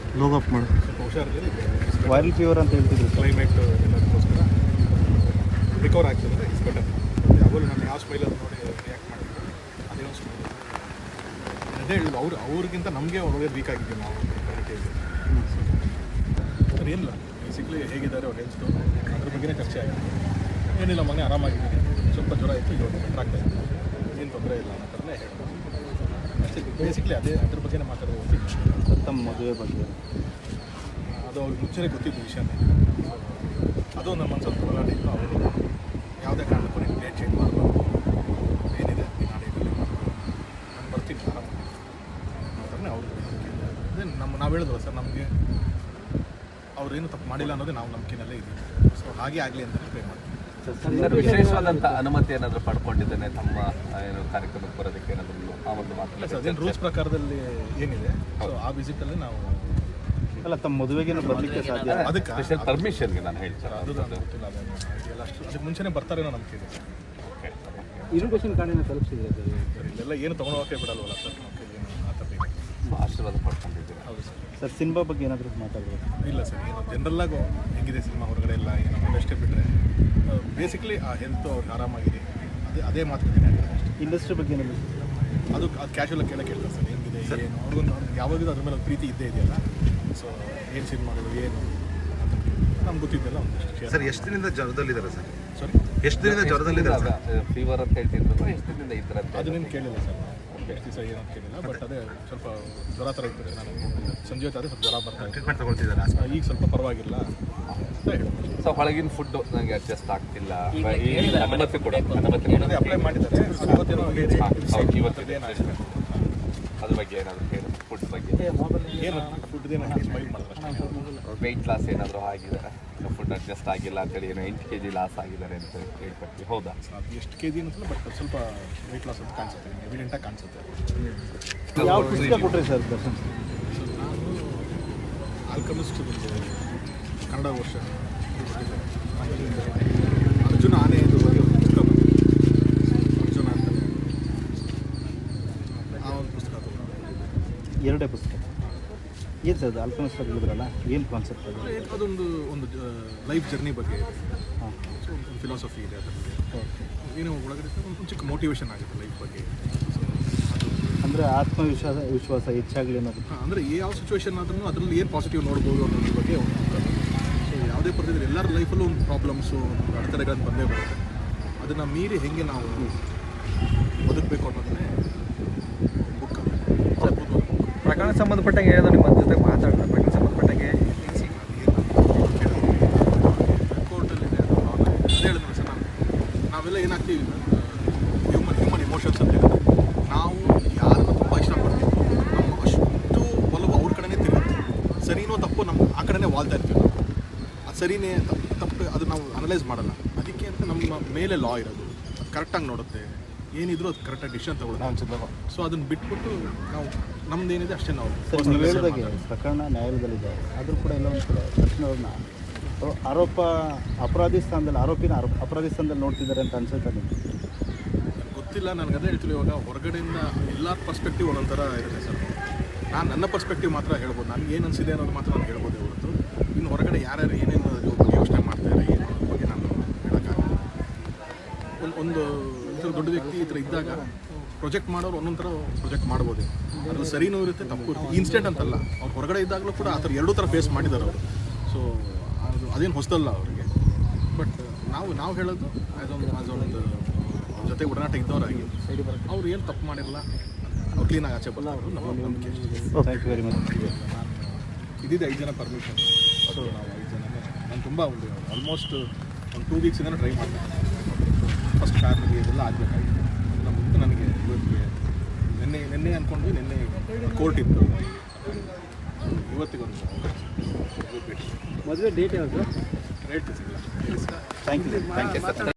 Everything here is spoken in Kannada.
ಲೋಗ್ ಅಪ್ ಮಾಡಿ ಸ್ವಲ್ಪ ಹುಷಾರಿರಲಿ. ವೈರಲ್ ಫೀವರ್ ಅಂತ ಹೇಳ್ತಿದ್ರು. ಕ್ಲೈಮೇಟ್ ಎಲ್ಲದಕ್ಕೋಸ್ಕರ ರಿಕವರ್ ಆಗ್ತದೆ. It's better. ಯಾವಾಗಲೂ ನಾನು ಯಾವ ಸ್ಮೈಲಲ್ಲಿ ನೋಡಿ ರಿಯಾಕ್ಟ್ ಮಾಡಿದ್ರು ಅದೇ ಒಂದು ಸ್ಮೈಲ್. ಅದೇ ಹೇಳಿದ್ರು ಅವ್ರಿಗಿಂತ ನಮಗೆ ಒಳ್ಳೆಯ ವೀಕ್ ಆಗಿದ್ದೀವಿ ನಾವು ಸರ್. ಏನಿಲ್ಲ, ಬೇಸಿಕ್ಲಿ ಹೇಗಿದ್ದಾರೆ ಅವ್ರು ಹೆಲ್ತು ಅದ್ರ ಬಗ್ಗೆನೇ ಚರ್ಚೆ ಆಗಿದೆ. ಏನಿಲ್ಲ, ಮನೆ ಆರಾಮಾಗಿದ್ದೀನಿ, ಸ್ವಲ್ಪ ಜ್ವರ ಇತ್ತು, ಇವಾಗ ಬೆಟರ್ ಆಗ್ತಾ ಇತ್ತು, ಏನು ತೊಂದರೆ ಇಲ್ಲ ಅನ್ನೋ ಥರನೇ ಹೇಳ್ಬೋದು ಅಷ್ಟೇ. ಬೇಸಿಕ್ಲಿ ಅದ್ರ ಬಗ್ಗೆನೇ ಮಾತಾಡೋದು. ತಮ್ಮ ಮದುವೆ ಬಗ್ಗೆ ಅದು ಅವ್ರಿಗೆ ಮುಂಚೆನೇ ಗೊತ್ತಿದ್ದು ವಿಷಯನೇ. ಅದು ನಮ್ಮ ಮನಸ್ಸಲ್ಲಿ ಹೋರಾಟ ಇತ್ತು. ಅವರು ಯಾವುದೇ ಕಾರಣಕ್ಕೂ ನೀವು ಡೇಟ್ ಚೇಂಜ್ ಮಾಡಬಾರ್ದು, ಏನಿದೆ ನಾಡೇಟಲ್ಲಿ ನಾನು ಬರ್ತೀನಿ ಆರಾಮಾಗಿ ಅನ್ನೋ ಅವರು. ಅದೇ ನಾವು ಹೇಳಿದ್ವಲ್ಲ ಸರ್, ನಮಗೆ ಅವ್ರೇನು ತಪ್ಪು ಮಾಡಿಲ್ಲ ಅನ್ನೋದೇ ನಾವು ನಂಬಿಕೆನಲ್ಲೇ ಇದ್ದೀವಿ. ಸೊ ಹಾಗೆ ಆಗಲಿ ಅಂತಲೇ ಪ್ರೇ ಮಾಡ್ತೀವಿ. ವಿಶೇಷವಾದಂಥ ಅನುಮತಿ ಏನಾದರೂ ಪಡ್ಕೊಂಡಿದ್ದೇನೆ ತಮ್ಮ ಏನು ಕಾರ್ಯಕ್ರಮಕ್ಕೆ ಬರೋದಕ್ಕೆ ಏನಾದರೂ ಆ ಒಂದು ಮಾತು? ಸರ್, ಅದೇನು ರೂಲ್ಸ್ ಪ್ರಕಾರದಲ್ಲಿ ಏನಿದೆ, ಸೊ ಆ ವಿಸಿಟಲ್ಲಿ ನಾವು ಅಲ್ಲ ತಮ್ಮ ಮದುವೆಗೆ ಬರಲಿಕ್ಕೆ ಸಾಧ್ಯ. ಅದಕ್ಕೆ ಸ್ಪೆಷಲ್ ಪರ್ಮಿಷನ್ಗೆ ನಾನು ಹೇಳ್ತೀನಿ. ಅದು ನನಗೆ ಗೊತ್ತಿಲ್ಲ, ಅದೆಲ್ಲ ಅಷ್ಟು ಅದಕ್ಕೆ ಮುಂಚೆನೇ ಬರ್ತಾರೇನೋ ನಂಬಿಕೆ ಇದೆ ಸರ್. ಇರುಗೇಷನ್ ಕಾರ್ಡಿನ ತಲುಪಿಸಿದ್ರೆ ಸರ್ ಇಲ್ಲೆಲ್ಲ ಏನು ತೊಗೊಳೋಕೆ ಬಿಡಲ್ವಲ್ಲ ಸರ್, ನಮಗೆ ಏನು ಆ ಥರ ಆಶೀರ್ವಾದ ಪಡ್ಕೊಂಡಿದ್ದೀರಾ? ಹೌದು ಸರ್. ಸರ್ ಸಿನಿಮಾ ಬಗ್ಗೆ ಏನಾದರೂ ಮಾತಾಡಬೇಕು? ಇಲ್ಲ ಸರ್, ಏನು ಜನರಲ್ಲಾಗು ಹೆಂಗಿದೆ ಸಿನಿಮಾ ಹೊರಗಡೆ ಎಲ್ಲ ಏನೋ ಅಷ್ಟೇ ಬಿಟ್ಟರೆ ಬೇಸಿಕ್ಲಿ ಆ ಹೆಲ್ತ್ ಅವ್ರಿಗೆ ಆರಾಮಾಗಿದೆ, ಅದೇ ಮಾತುಕತೆ ಅಷ್ಟೇ. ಇಂಡಸ್ಟ್ರಿ ಬಗ್ಗೆ ಏನಾದರೂ ಅದು ಕ್ಯಾಶುವಲಾಗಿ ಕೇಳಕ್ಕೆ ಹೇಳ್ತಾರೆ ಸರ್, ಹೆಂಗಿದೆ ಏನು ಅವ್ರಿಗೊಂದು ಯಾವಾಗಲೂ ಅದ್ರ ಮೇಲೆ ಒಂದು ಪ್ರೀತಿ ಇದ್ದೇ ಇದೆಯಲ್ಲ. ಸೊ ಏನು ಸಿನಿಮಾಗಳು ಏನು ನಮ್ಗೆ ಗೊತ್ತಿದ್ದೆಲ್ಲ ಒಂದಷ್ಟು. ಸರ್ ಎಷ್ಟು ದಿನದಿಂದ ಜ್ವರದಲ್ಲಿದ್ದಾರೆ ಸರ್? ಸಾರಿ, ಎಷ್ಟು ದಿನದಿಂದ ಜ್ವರದಲ್ಲಿದ್ದಾರೆ? ಫೀವರ್ ಅಂತ ಹೇಳ್ತಿದ್ರು, ಎಷ್ಟು ದಿನದಿಂದ ಇದ್ರಂತೆ? ಅದು ನಿಮ್ಗೆ ಕೇಳಿಲ್ಲ ಸರ್, ಎಷ್ಟು ದಿವಸ ಏನಂತ ಕೇಳಿಲ್ಲ. ಬಟ್ ಅದೇ ಸ್ವಲ್ಪ ಜ್ವರ ಥರ ಇರ್ತದೆ. ನಾನು ಸಂಜೆ ಹೊತ್ತಾದರೆ ಸ್ವಲ್ಪ ಜ್ವರ ಬರ್ತಾ ಇದೆ. ಟ್ರೀಟ್ಮೆಂಟ್ ತಗೊಳ್ತಿದ್ದಾರೆ ಈಗ ಸ್ವಲ್ಪ ಪರವಾಗಿಲ್ಲ ಅಂತ ಹೇಳ್ಬೋದು. ಸೊ ಹೊಳಗಿನ ಫುಡ್ ನನಗೆ ಅಡ್ಜಸ್ಟ್ ಆಗ್ತಿಲ್ಲ, ಅನುಮತಿ ಕೊಡ ಅದೇ ಅಪ್ಲೈ ಮಾಡಿದ್ದಾರೆ. ಇವತ್ತೇನೋ ಇವತ್ತು ಅದ್ರ ಬಗ್ಗೆ ಏನಾದರೂ ಹೇಳಿ, ಫುಡ್ ಬಗ್ಗೆ ಏನು ಫುಡ್ದೇನೋ ಸ್ಮೈಲ್ ಮಾಡಿದ್ರೆ ವೆಯ್ಟ್ ಲಾಸ್ ಏನಾದರೂ ಆಗಿದೆ, ಫುಡ್ ಅಡ್ಜಸ್ಟ್ ಆಗಿಲ್ಲ ಅಂತೇಳಿ ಏನೋ 8 kg ಲಾಸ್ ಆಗಿದ್ದಾರೆ ಅಂತ ಹೇಳ್ಕೊಡ್ತೀವಿ. ಹೌದಾ? ಅದು ಎಷ್ಟು ಕೆ ಜಿ ಅನ್ನಿಸಲ್ಲ, ಬಟ್ ಸ್ವಲ್ಪ ವೆಯ್ಟ್ ಲಾಸ್ ಅಂತ ಕಾಣಿಸುತ್ತೆ, ಎವಿಡೆಂಟಾಗಿ ಕಾಣಿಸುತ್ತೆ. ಯಾವ ಪುಸ್ತಕ ಕೊಟ್ಟರೆ ಸರ್ ದರ್ಶನ್? ಸೊ ನಾನು ಆಲ್ಕಮಿಸ್ಟ್ ಕನ್ನಡ ವರ್ಷ ಅರ್ಜುನ ಆನೆ ಎಂದು ಬಗ್ಗೆ ಒಂದು ಪುಸ್ತಕ ಬಂದಿದೆ. ಅರ್ಜುನ ಅಂತಲೇ ಆ ಒಂದು ಪುಸ್ತಕ ತಗೊಂಡು. ಎರಡೇ ಪುಸ್ತಕ ಏನು ಸರ್ ಅದು? ಆಲ್ಕಮಿಸ್ಟ್ ಹೇಳಿದ್ರಲ್ಲ, ಏನು ಕಾನ್ಸೆಪ್ಟ್ ಅದು? ಒಂದು ಲೈಫ್ ಜರ್ನಿ ಬಗ್ಗೆ ಇದೆ. ಹಾಂ, ಸೊ ಒಂದು ಫಿಲಾಸಫಿ ಇದೆ ಅದರಲ್ಲಿ. ಏನು ಒಳಗಡೆ ಒಂದು ಚಿಕ್ಕ ಮೋಟಿವೇಶನ್ ಆಗುತ್ತೆ ಲೈಫ್ ಬಗ್ಗೆ. ಸೊ ಅದು ಅಂದರೆ ವಿಶ್ವಾಸ ಹೆಚ್ಚಾಗಲಿ ಅನ್ನೋದು. ಹಾಂ, ಅಂದರೆ ಯಾವ ಸಿಚುವೇಶನ್ ಆದ್ರೂ ಅದರಲ್ಲಿ ಏನು ಪಾಸಿಟಿವ್ ನೋಡ್ಬೋದು ಅನ್ನೋದ್ರ ಬಗ್ಗೆ ಒಂದು ಸೊ ಯಾವುದೇ ಪರಿಸ್ಥಿತಿ ಎಲ್ಲರ ಲೈಫಲ್ಲೂ ಒಂದು ಪ್ರಾಬ್ಲಮ್ಸು, ಒಂದು ಅಡೆತಡೆಗಳನ್ನು ಬಂದೇ ಬರುತ್ತೆ. ಅದನ್ನು ಮೀರಿ ಹೆಂಗೆ ನಾವು ಬದುಕಬೇಕು ಅನ್ನೋದನ್ನೇ ಬುಕ್. ಪ್ರಕರಣ ಸಂಬಂಧಪಟ್ಟಂಗೆ ಏನೋ ನಿಮ್ಮ ಜೊತೆ ಮಾತಾಡಿದ್ರೆ ಪ್ರಕರಣ ಸಂಬಂಧಪಟ್ಟಂಗೆ ಕೋರ್ಟಲ್ಲಿದೆ, ಅದು ಹೇಳಿದ್ರು ಸರ್. ನಾವೆಲ್ಲ ಏನಾಗ್ತೀವಿ, ಹ್ಯೂಮನ್ ಇಮೋಷನ್ಸ್ ಅಂತ ಹೇಳಿದ್ರೆ ನಾವು ಯಾರನ್ನು ತುಂಬ ಇಷ್ಟಪಡ್ತೀವಿ, ನಮ್ಮ ಅಷ್ಟು ಒಲವು ಅವ್ರ ಕಡೆನೇ ತಿರುಗುತ್ತೆ. ಸರಿನೋ ತಪ್ಪು ನಮ್ಮ ಆ ಕಡೆನೇ ವಾಲ್ತಾ ಇರ್ತೀವಿ ನಾವು. ಅದು ಸರಿನೇ ತಪ್ಪು ಅದು ನಾವು ಅನಲೈಸ್ ಮಾಡಲ್ಲ. ಅದಕ್ಕೆ ಅಂತ ನಮ್ಮ ಮೇಲೆ ಲಾ ಇರೋದು, ಅದು ಕರೆಕ್ಟಾಗಿ ನೋಡುತ್ತೆ, ಏನಿದ್ರು ಅದು ಕರೆಕ್ಟಾಗಿ ಡಿಸಿಷನ್ ತಗೊಳ್ಳೋದು. ಸೊ ಅದನ್ನು ಬಿಟ್ಬಿಟ್ಟು ನಾವು ನಮ್ದು ಏನಿದೆ ಅಷ್ಟೇ ನಾವು. ಸರ್ ನೀವು ಹೇಳಿದಾಗೆ ಪ್ರಕರಣ ನ್ಯಾಯಾಲಯದಲ್ಲಿದೆ, ಆದರೂ ಕೂಡ ಎಲ್ಲ ಒಂದು ಕಡೆ ದರ್ಶನ್ ಅವ್ರನ್ನ ಅಪರಾಧಿ ಸ್ಥಾನದಲ್ಲಿ ಅಪರಾಧಿ ಸ್ಥಾನದಲ್ಲಿ ನೋಡ್ತಿದ್ದಾರೆ ಅಂತ ಅನ್ಸುತ್ತೆ ನಿಮಗೆ? ಗೊತ್ತಿಲ್ಲ, ನನಗೆ ಅದೇ ಹೇಳ್ತೀವಿ. ಇವಾಗ ಹೊರಗಡೆಯಿಂದ ಎಲ್ಲರ ಪರ್ಸ್ಪೆಕ್ಟಿವ್ ಒಂದೊಂಥರ ಇರುತ್ತೆ ಸರ್. ನಾನು ನನ್ನ ಪರ್ಸ್ಪೆಕ್ಟಿವ್ ಮಾತ್ರ ಹೇಳ್ಬೋದು, ನನಗೆ ಏನು ಅನಿಸಿದೆ ಅನ್ನೋದು ಮಾತ್ರ ನಾನು ಹೇಳ್ಬೋದು ಹೊರತು ಇನ್ನು ಹೊರಗಡೆ ಯಾರ್ಯಾರು ಏನೇನು ಯೋಚನೆ ಮಾಡ್ತಾರೆ ಏನು ಅನ್ನೋದ್ರ ಬಗ್ಗೆ ನಾನು ಹೇಳೋಕ್ಕಾಗಲ್ಲ. ಒಂದು ದೊಡ್ಡ ವ್ಯಕ್ತಿ ಈ ಥರ ಇದ್ದಾಗ ಪ್ರೊಜೆಕ್ಟ್ ಮಾಡೋರು ಒಂದೊಂದು ಥರ ಪ್ರೊಜೆಕ್ಟ್ ಮಾಡ್ಬೋದು. ಅದ್ರಲ್ಲಿ ಸರಿನೂ ಇರುತ್ತೆ, ತಪ್ಪು ಇರುತ್ತೆ. ಇನ್ಸ್ಟೆಂಟ್ ಅಂತಲ್ಲ, ಅವ್ರು ಹೊರಗಡೆ ಇದ್ದಾಗಲೂ ಕೂಡ ಆ ಥರ ಎರಡೂ ಥರ ಫೇಸ್ ಮಾಡಿದ್ದಾರೆ ಅವರು. ಸೊ ಅದೇನು ಹೊಸದಲ್ಲ ಅವರಿಗೆ. ಬಟ್ ನಾವು ಹೇಳೋದು ಅದೊಂದು ಅವ್ರ ಜೊತೆ ಒಡನಾಟ ಇದ್ದವರಾಗಿ ಅವ್ರು ಏನು ತಪ್ಪು ಮಾಡಿರಲ್ಲ, ಅವ್ರು ಕ್ಲೀನಾಗಿ ಆಚೆ ಬರೋದು ನಮ್ಮ ನಂಬಿಕೆ. Thank you very much. ಇದಿದೆ 5 ಜನ ಪರ್ಮಿಷನ್. ಸೊ ನಾವು 5 ಜನ ನಾನು ತುಂಬ ಆಲ್ಮೋಸ್ಟ್ ಒಂದು 2 ವೀಕ್ಸಿಂದ ಟ್ರೈ ಮಾಡಿದೆ. ಫಸ್ಟ್ ಫ್ಯಾಮಿಲಿ ಇದೆಲ್ಲ ಆಗಬೇಕಾಗಿತ್ತು. ಅದನ್ನು ಮುಂದೆ ನನಗೆ ಇವತ್ತಿಗೆ ನಿನ್ನೆ ಅಂದ್ಕೊಂಡು ನಿನ್ನೆ ಕೋರ್ಟ್ ಇತ್ತು, ಇವತ್ತಿಗೊಂದು ಮದುವೆ ಡೇಟ್ ಯಾವುದು? ರೇಟ್ ಸಿಗಲ್ಲ. Thank you.